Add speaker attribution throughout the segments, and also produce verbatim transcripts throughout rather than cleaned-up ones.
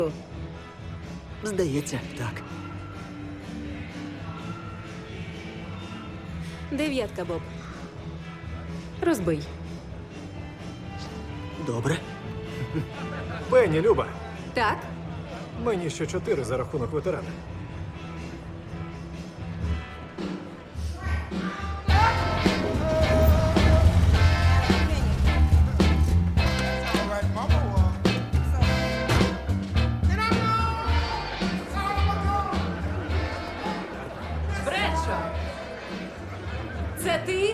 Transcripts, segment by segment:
Speaker 1: Здається, так.
Speaker 2: Дев'ятка, Боб. Розбий.
Speaker 1: Добре.
Speaker 3: Пенні, Люба,
Speaker 2: Так?
Speaker 3: мені ще чотири за рахунок ветерана.
Speaker 2: Бредшо! Це ти?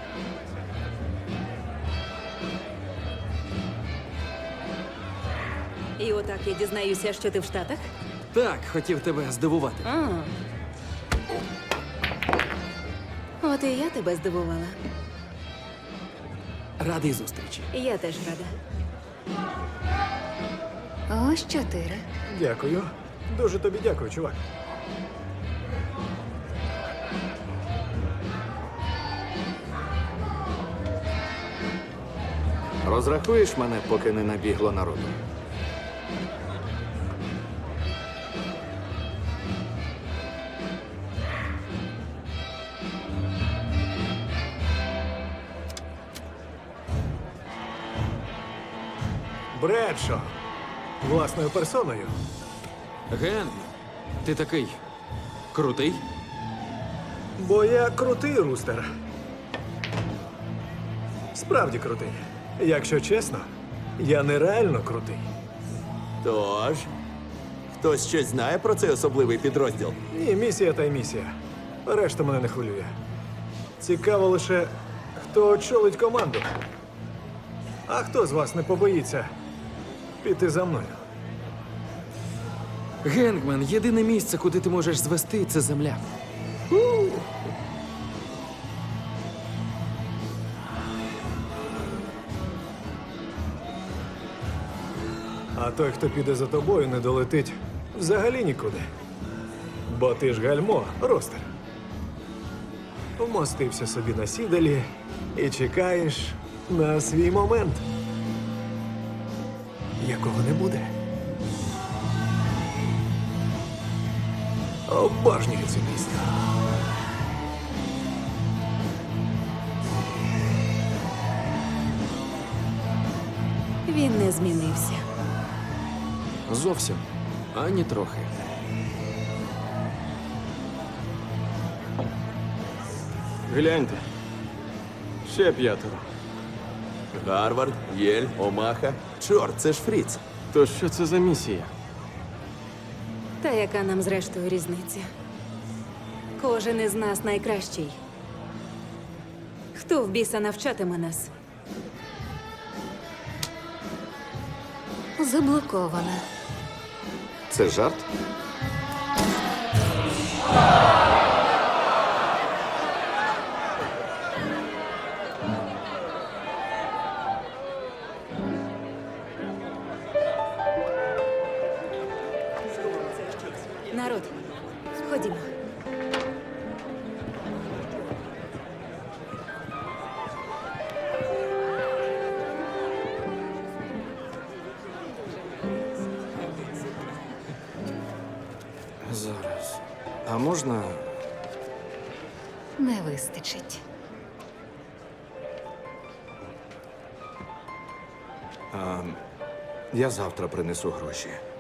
Speaker 2: І отак я дізнаюся, що ти в Штатах?
Speaker 1: Так, хотів тебе здивувати.
Speaker 2: А. От і я тебе здивувала.
Speaker 1: Радий зустрічі.
Speaker 2: Я теж рада. Ось чотири.
Speaker 3: Дякую. Дуже тобі дякую, чувак.
Speaker 4: Розрахуєш мене, поки не набігло народу?
Speaker 3: Бредшо. Власною персоною.
Speaker 1: Ген, ти такий крутий?
Speaker 3: Бо я крутий, Рустер. Справді крутий. Якщо чесно, я нереально крутий.
Speaker 4: Тож, хтось щось знає про цей особливий підрозділ?
Speaker 3: Ні, місія та й місія. Решта мене не хвилює. Цікаво лише, хто очолить команду. А хто з вас не побоїться піти за мною?
Speaker 1: Генгмен, єдине місце, куди ти можеш звести, це земля.
Speaker 3: А той, хто піде за тобою, не долетить взагалі нікуди. Бо ти ж гальмо, Ростер. Вмостився собі на сідалі і чекаєш на свій момент, якого не буде. Обожнюю цю пісню.
Speaker 2: Він не змінився.
Speaker 1: Зовсім. Ані трохи.
Speaker 5: Гляньте. Ще п'ятеро.
Speaker 4: Гарвард, Єль, Омаха. Чорт, це ж Фріц.
Speaker 5: То що це за місія?
Speaker 2: Та яка нам зрештою різниця? Кожен із нас найкращий. Хто в біса навчатиме нас? Заблокована.
Speaker 4: Це жарт?
Speaker 2: Народ, ходімо.
Speaker 1: Зараз. А можна.
Speaker 2: Не вистачить.
Speaker 4: Я завтра принесу гроші.